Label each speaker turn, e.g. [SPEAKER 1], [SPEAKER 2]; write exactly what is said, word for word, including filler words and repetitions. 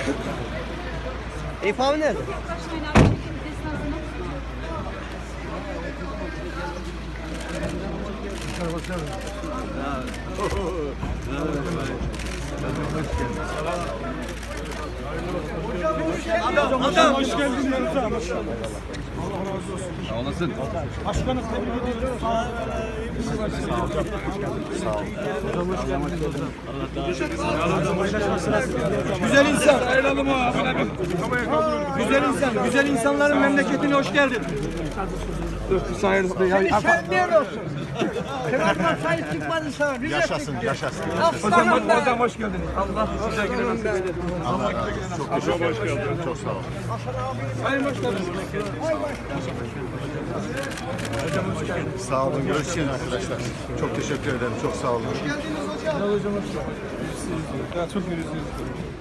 [SPEAKER 1] Eyüp abi nerede?
[SPEAKER 2] Adam, adam hoş geldin yanımıza. Allah razı olsun. Sağ olasın. Başkanım tebrik ediyoruz. Sağ olun. Sağ olun. Güzel insan. Güzel insan. Güzel insanların memleketine hoş geldin.
[SPEAKER 1] Şenliğin olsun. Kırarma sayı çıkmadı sana.
[SPEAKER 3] Yaşasın, yaşasın.
[SPEAKER 2] Hocam, hocam hoş geldiniz. Allah size güle nasip eder.
[SPEAKER 3] Allah razı olsun. Çok teşekkür ederim. Çok sağ olun.
[SPEAKER 2] Sayın Başkanım.
[SPEAKER 3] Sağ olun. Görüşeceğiz arkadaşlar. Çok teşekkür ederim. Çok sağ olun.
[SPEAKER 2] Hoş geldiniz hocam. Hocam hoş geldiniz. Ya çok mersi.